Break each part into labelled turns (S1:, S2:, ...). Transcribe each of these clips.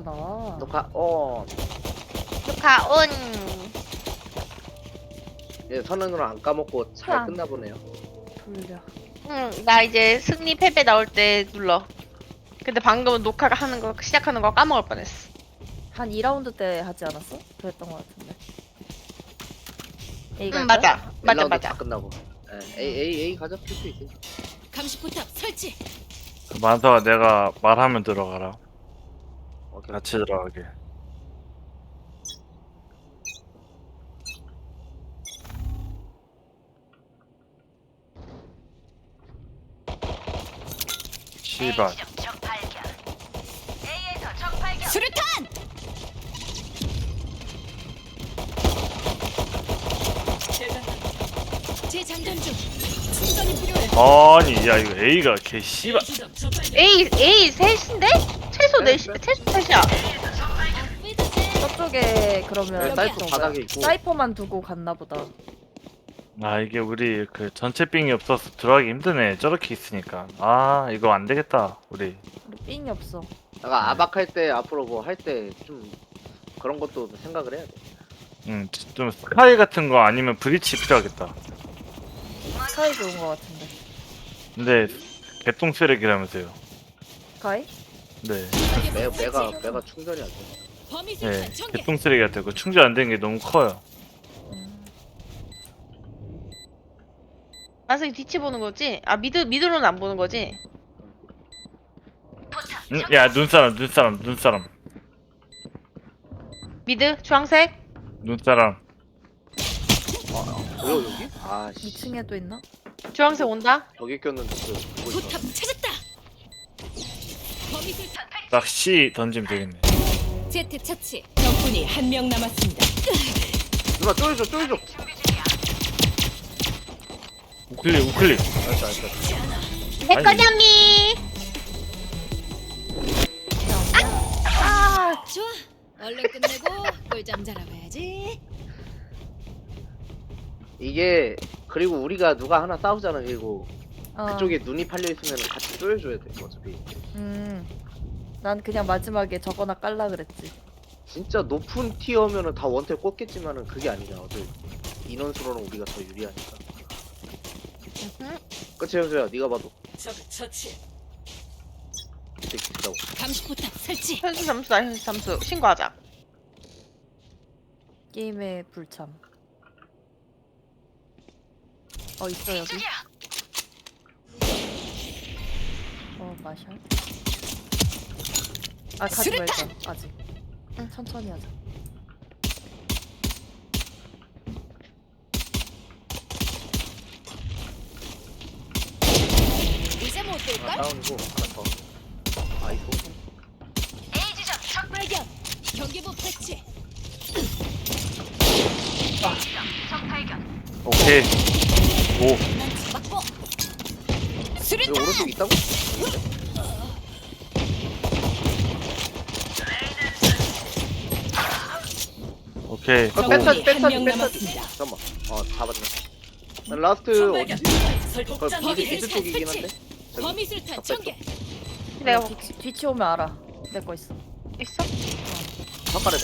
S1: 나와.
S2: 녹화
S3: 축하 온.
S2: 예, 선언으로 안 까먹고 잘
S1: 아.
S2: 끝나 보네요.
S1: 돌려.
S3: 응, 나 이제 승리 패배 나올 때 눌러. 근데 방금은 녹화가 하는 거 시작하는 거 까먹을 뻔했어.
S1: 한 2라운드 때 하지 않았어? 그랬던 것 같은데. A가
S3: 맞아. 맞아
S2: 1라운드 다
S3: 맞아.
S2: 끝나고. 예, A 가져 필수 있어.
S4: 감시포탑 설치.
S5: 만서가 내가 말하면 들어가라.
S2: 오케이.
S5: 같이 들어가게. 씨발.
S4: 수류탄. 재장전 중. 충전이 필요해.
S5: 아니 야 이거 A가 개 씨발.
S3: A 셋인데? 최소
S2: 네,
S3: 넷
S2: 네.
S3: 최소 셋이야.
S1: 저쪽에 그러면
S2: 사이프
S1: 그런
S2: 바닥에
S1: 거야.
S2: 있고.
S1: 사이퍼만 두고 갔나 보다.
S5: 아 이게 우리 그 전체 빙이 없어서 들어가기 힘드네. 저렇게 있으니까. 아 이거 안 되겠다 우리.
S1: 우리 삥이 없어.
S2: 내가 아박할 때 앞으로 뭐 할 때 좀 그런 것도 생각을 해야 돼.
S5: 좀 스카이 같은 거 아니면 브리치 필요하겠다.
S1: 스카이 좋은 것 같은데.
S5: 근데 개똥 쓰레기라면서요.
S1: 스카이?
S5: 네.
S2: 매가 충전이 안 돼.
S4: 범위
S5: 네.
S4: 술탄 전개.
S5: 개똥 쓰레기 같아. 그 충전 안 되는 게 너무 커요.
S3: 만성이 뒤치 보는 거지? 아 미드로는 안 보는 거지?
S5: 야 눈사람.
S3: 미드 주황색.
S5: 눈사람.
S2: 뭐야 여기? 아 씨.
S1: 2층에도 있나?
S3: 주황색 온다.
S2: 여기 꼈는데 그거 있어.
S4: 포탑 찾았다. 범위 술탄.
S5: 딱 C 던지면 되겠네.
S4: 제트 처치. 적군이 한 명 남았습니다.
S2: 누나 쪼여줘.
S5: 우클릭.
S2: 알았어.
S3: 내 거냐미.
S4: 좋아. 얼른 끝내고 꿀잠 자러 가야지.
S2: 이게 그리고 우리가 누가 하나 싸우잖아. 그리고
S1: 어.
S2: 그쪽에 눈이 팔려 있으면 같이 쪼여줘야 돼. 어차피.
S1: 난 그냥 마지막에 저거나 깔라 그랬지.
S2: 진짜 높은 티어면은 다 원탭 꽂겠지만은 그게 아니잖아. 어차피 인원수로는 우리가 더 유리하니까. 그치 현수야, 네가 봐도
S4: 적 처치.
S2: 되게 기다고.
S4: 감시포탑 설치.
S3: 현수 잠수다 현수 잠수 신고하자.
S1: 게임의 불참. 있어 여기. 마셔. 가지
S4: 수류탄!
S1: 말자. 아직. 천천히 하자.
S4: 이제 못 뛸걸?
S2: 다운이고 하나 더. 아이고.
S4: A 지점 적 발견. 경계부 배치.
S5: 오케이. 오.
S4: 난 잡았고.
S2: 여기
S4: 수류탄.
S2: 오른쪽 있다고?
S5: 오케이.
S2: 아,
S5: 오.
S2: 뺐어.
S4: 한명 남았습니다.
S2: 잠깐만. 잡았네. 난 라스트 어디지? 미드 쪽이긴 한데.
S4: 범위 술탄
S2: 적
S4: 전개.
S3: 내가
S1: 뒤치 오면 알아. 내 거 있어.
S3: 있어?
S2: 헛가래다.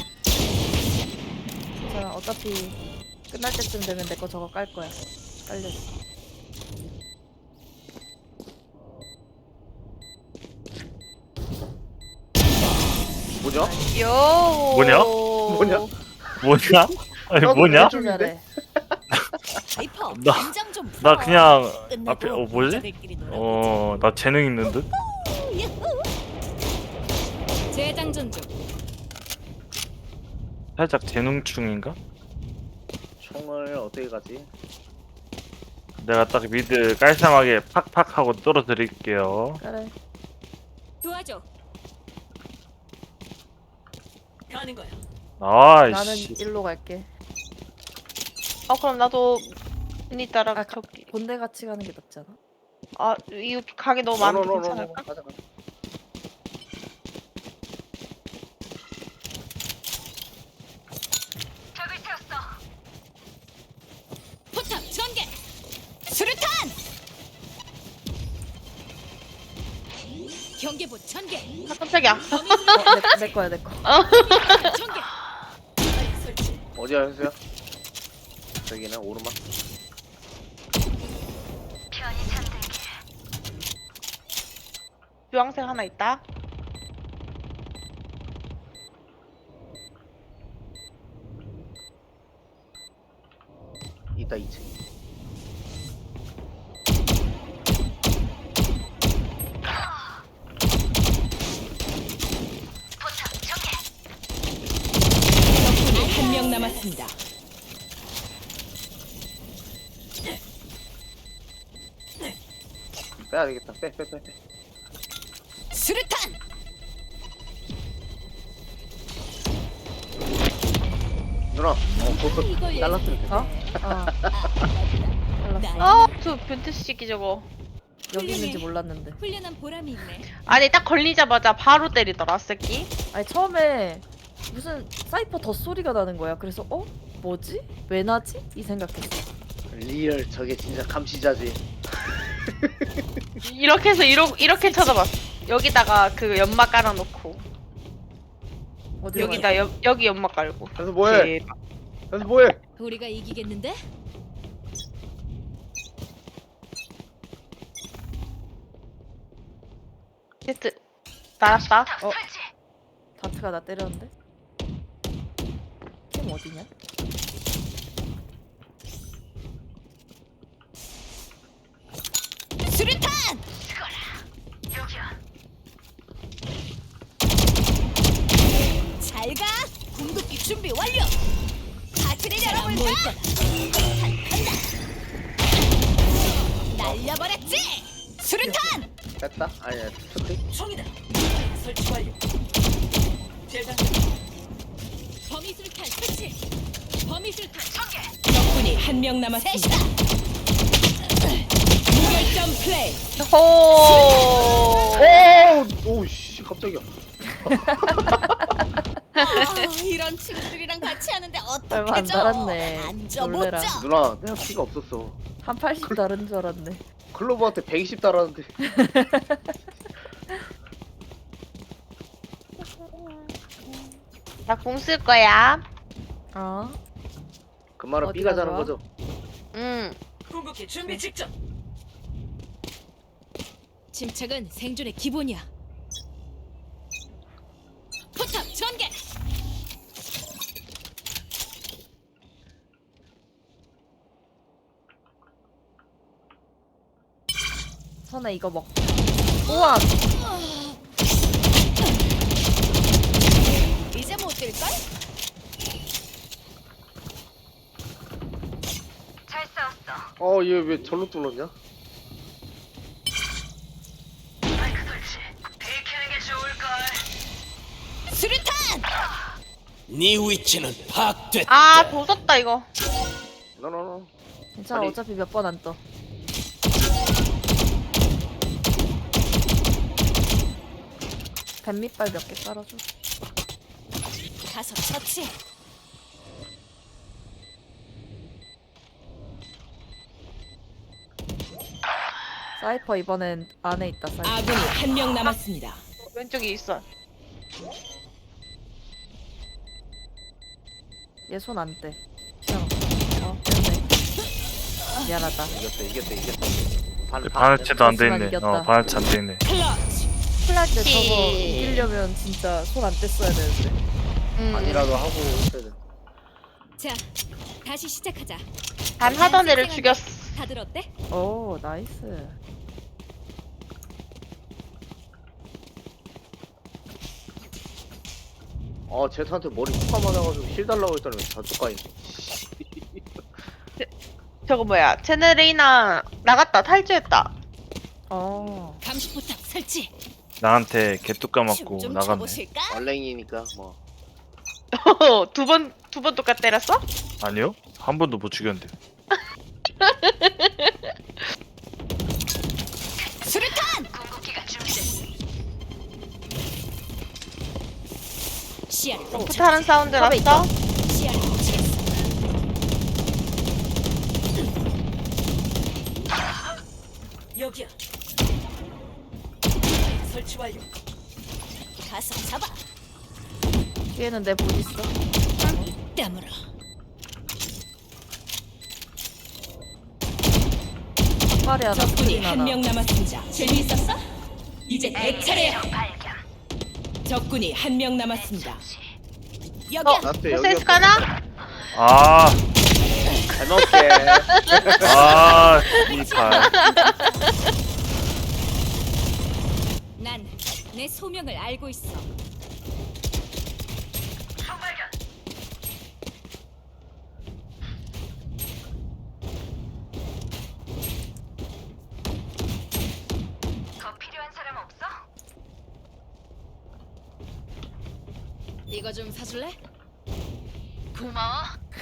S1: 자, 어차피 끝날 때쯤 되면 내 거 저거 깔 거야. 깔렸어.
S2: 뭐냐?
S3: 요.
S5: 뭐냐? 뭐냐? 아니 뭐냐?
S1: 아주 잘해.
S4: 하이퍼.
S5: 나-
S4: 긴장 좀 풀어.
S5: 나 그냥
S4: 끝내고
S5: 앞에 뭐지?
S4: 여자들끼리 놀아보자.
S5: 나 재능 있는 듯?
S4: 야호. 재장전 중.
S5: 살짝 재능충인가?
S2: 총을 어떻게 가지?
S5: 내가 딱 미드 깔쌈하게 팍팍 하고 떨어뜨릴게요.
S1: 그래.
S4: 도와줘. 가는 거야.
S1: 나는
S5: 아이씨.
S1: 일로 갈게.
S3: 그럼 나도 언니 따라
S1: 아,
S3: 저기.
S1: 본대 같이 가는 게 낫지 않아?
S3: 이거 가게 너무 많은데 괜찮을까?
S2: 가자.
S4: 포탑 전개. 수류탄. 경계 설계보 전개.
S3: 아, 깜짝이야.
S1: 내 거야 내 거.
S4: 전개. 설치.
S2: 어디야 현수야? 저기는 오르막.
S4: 편히 잠들게.
S3: 주황색 하나 있다.
S2: 이따 2층.
S4: 포탑 전개.
S6: 적군이 한 명 남았습니다.
S2: 빼야 되겠다. 빼.
S6: 수류탄.
S2: 누나, 벌써
S4: 이걸
S2: 잘랐으면 됐어.
S1: 어? 잘랐어.
S3: 저 변태 시기 저거.
S1: 여기 있는지 몰랐는데.
S4: 훈련한 보람이 있네.
S3: 아니 딱 걸리자마자 바로 때리더라 새끼.
S1: 아니 처음에 무슨 사이퍼 덧소리가 나는 거야. 그래서 뭐지? 왜 나지? 이 생각했어.
S2: 리얼 저게 진짜 감시자지.
S3: 이렇게 해서 이렇게 쳐다봤어. 여기다가 그 연막 깔아놓고
S1: 어디로
S3: 여기다 여기 연막 깔고.
S2: 현수 뭐해?
S3: 대박.
S2: 현수 뭐해?
S4: 우리가 이기겠는데?
S3: 제트 날았다.
S1: 다트가 나 때렸는데? 팀 어디냐?
S6: 수류탄. 잘 가. 궁극기 준비 완료. 파티를 열어볼까? 간다. 날려버렸지. 수류탄.
S2: 뺐다? 아니야 스크린.
S6: 총이다. 설치 완료.
S4: 범위술탄 설치. 범위술탄 전개.
S6: 적군이 한 명 남았습니다. 무결점 플레이.
S3: 호.
S2: 오씨 깜짝이야.
S6: 이런 친구들이랑 같이 하는데
S1: 얼마 안 달았네.
S6: 앉아
S1: 놀래라.
S6: 보자.
S2: 누나 내가 피가 없었어.
S1: 한 80 다른 줄 알았네.
S2: 클로버한테 120 달았는데.
S3: 나 공 쓸 거야.
S1: 어?
S2: 그 말은
S1: 어디가
S2: B가 자는
S1: 좋아?
S2: 거죠?
S3: 응.
S6: 궁극기 준비 직전.
S4: 침착은 생존의 기본이야. 포탑 전개.
S1: 선아 이거 먹. 우와!
S6: 이제 못 뛸걸?
S4: 잘 싸웠어.
S2: 얘 왜 절로 뚫었냐?
S6: 수류탄.
S7: 네 위치는 파악됐다.
S3: 아 조졌다 이거.
S2: 노노노.
S1: 괜찮아
S2: 아니.
S1: 어차피 몇 번 안 떠. 뱀밑발 몇 개 깔아줘.
S6: 가서 처치.
S1: 사이퍼 이번엔 안에 있다 사이퍼.
S6: 아군이 한 명 남았습니다.
S3: 왼쪽에 있어.
S1: 얘 손 안 떼. 시간 없어. 뺐네. 미안하다.
S2: 이겼다.
S5: 반할체도 안 돼
S1: 하지만
S5: 있네.
S1: 이겼다.
S5: 반할체 안 돼 있네.
S6: 클러치.
S1: 플라이 때 저거 이기려면 진짜 손 안 뗐어야 되는데.
S2: 아니라도 하고 있어야 돼.
S4: 자, 다시 시작하자.
S3: 단 하던 애를 죽였어.
S4: 다들 어때?
S1: 오 나이스.
S2: 제트한테 머리 훅 맞아가지고 힐 달라고 했더니 저쪽 가 있네.
S3: 저거 뭐야? 제네레이나 나갔다 탈주했다.
S4: 감시 포탑 설치.
S5: 나한테 개뚝 까맞고
S6: 춤좀
S5: 나갔네.
S6: 춰보실까?
S2: 얼랭이니까 뭐.
S3: 두 번 똑같 때렸어?
S5: 아니요? 한 번도 못 죽였는데.
S6: 수류탄.
S4: 궁극기가 준비됐어.
S6: 시야를
S3: 부타는 사운드
S1: 탑에
S3: 났어?
S6: 시야를 훔치겠어. 여기야. 설치 완료. 가서 잡아.
S1: 뒤에는 내 본 있어.
S6: 땀으로.
S1: 빨리 하나,
S6: 적군이
S1: 스크린
S6: 한
S1: 하나.
S6: 명 남았습니다. 재미있었어? 이제 내 차례야. 적군이 한 명 남았습니다. 여기야.
S2: 라스트
S3: 센스
S2: 여기였어.
S3: 가나?
S5: 아,
S2: 잘 먹게.
S5: 아, 이 발.
S6: 난 내 소명을 알고 있어.
S4: 더 필요한 사람 없어?
S6: 이거 좀 사줄래?
S4: 고마워.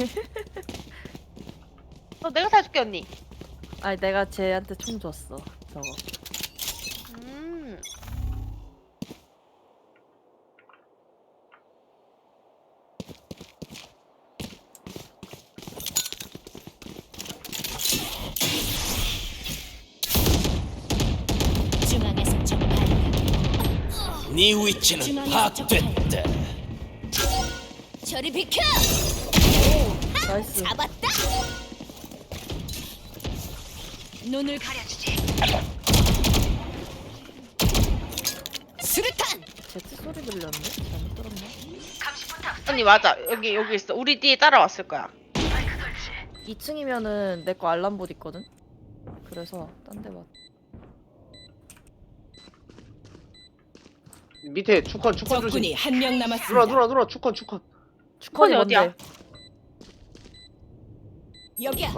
S3: 내가 사줄게 언니.
S1: 아니 내가 쟤한테 총 줬어. 저거.
S3: 음.
S6: 중앙에서 적발.
S7: 네 위치는
S6: 중앙에서
S7: 파악됐다.
S6: 저리 비켜.
S1: 나이스.
S6: 잡았다. 눈을 가려주지. 수류탄.
S1: 제트 소리 들렸네? 잘못 들었나?
S3: 언니 맞아. 여기 있어. 우리 뒤에 따라왔을 거야.
S1: 2층이면은 내 거 알람봇 있거든? 그래서 딴 데 봤.
S2: 밑에 축컨 조심.
S6: 적군이 한 명 남았습니다.
S2: 누나 축컨.
S1: 주컨이
S3: 어디야?
S1: 뭔데?
S6: 여기야.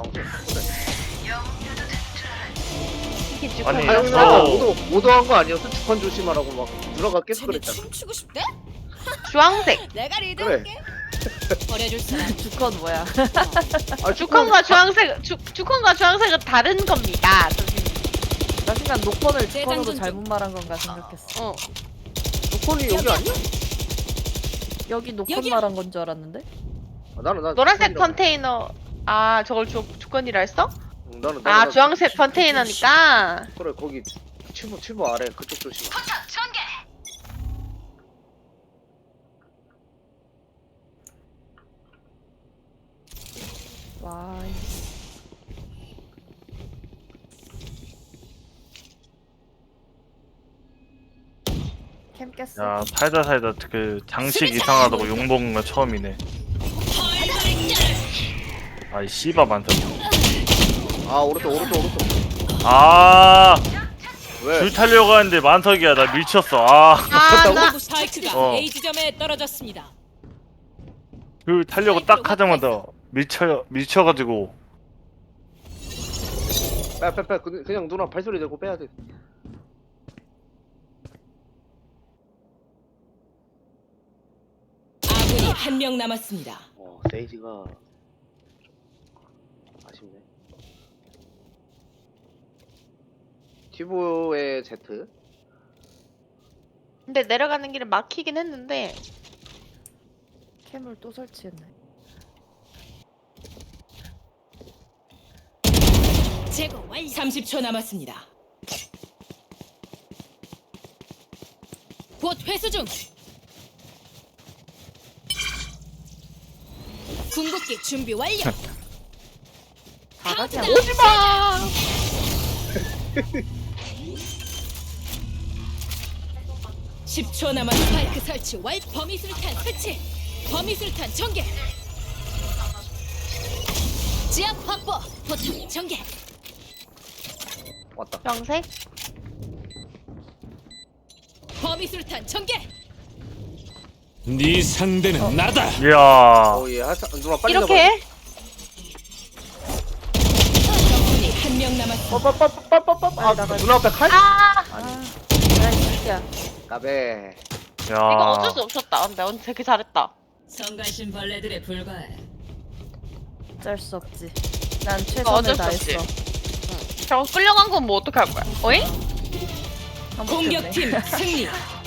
S3: 이게 지금
S5: 아니,
S2: 아
S3: 아,
S2: 형이
S5: 저-
S2: 오도한 거 아니었어? 축컨 조심하라고 막 누나가 계속
S6: 쟤네
S2: 그랬잖아.
S6: 춤추고 싶대?
S3: 주황색.
S6: 내가 리드할게. 버려줄 사람.
S1: 주컨 뭐야?
S2: 아
S3: 주컨과 주황색, 주컨과 주황색은 다른 겁니다. 선생님.
S1: 나 순간 노컨을
S6: 내
S1: 주컨으로
S6: 장전
S1: 잘못 말한 건가 생각했어.
S3: 어.
S2: 축컨이 여기 아니야?
S1: 여기 노컨
S6: 여기야.
S1: 말한 건 줄 알았는데?
S2: 아, 나는
S3: 노란색
S2: 축컨이라고.
S3: 컨테이너. 아, 저걸 주컨이라 했어?
S2: 응, 나는
S3: 아, 주황색 컨테이너니까.
S2: 그래 거기 칠보 아래 그쪽 조심.
S4: 포탑 전개.
S1: 와. 캠 깼어.
S5: 야, 살다 그 장식 이상하다고 욕먹은 건 처음이네. 아이 씨바 많다.
S2: 아 오른쪽.
S5: 아,
S2: 왜?
S5: 줄 타려고 하는데 만석이야. 나 밀쳤어. 아,
S3: 아, 나
S6: 스파이크가
S5: 어.
S6: A 지점에 떨어졌습니다.
S5: 줄 타려고 딱 하자마자 밀쳐가지고.
S2: 빼. 그냥 누나 발소리 내고 빼야 돼.
S6: 아군이 한 명 남았습니다.
S2: 세이지가 아쉽네. 튜브의 Z.
S3: 근데 내려가는 길에 막히긴 했는데.
S1: 캠을 또 설치했네.
S6: 제거 완료. 30초 남았습니다. 곧 회수 중. 궁극기 준비 완료.
S1: 다 같이 안
S3: 오지마!
S6: 10초 남았습니다. 스파이크 설치 완. 범위술탄 설치. 범위술탄 전개. 지압 확보. 포탑 전개.
S2: 왔다.
S3: 주황색?
S6: 범위술탄 전개.
S7: 네 상대는 나다.
S5: 이야.
S2: 오예. 누나 빨리
S3: 이렇게 해?
S6: 적군이 한 명 남았습니다.
S2: 아 누나 앞에 칼?
S3: 아!
S1: 야, 이 새끼야.
S2: 까베.
S3: 이거
S5: 야.
S3: 어쩔 수 없었다. 근데 언니 되게 잘했다.
S6: 성가신 벌레들에 불과해.
S1: 어쩔 수 없지. 난
S3: 이거 어쩔
S1: 최선을
S3: 수 없지.
S1: 다했어.
S3: 저거 끌려간 건 뭐 어떻게 할 거야? 어잉?
S1: 한번 했네.
S6: 공격팀 승리.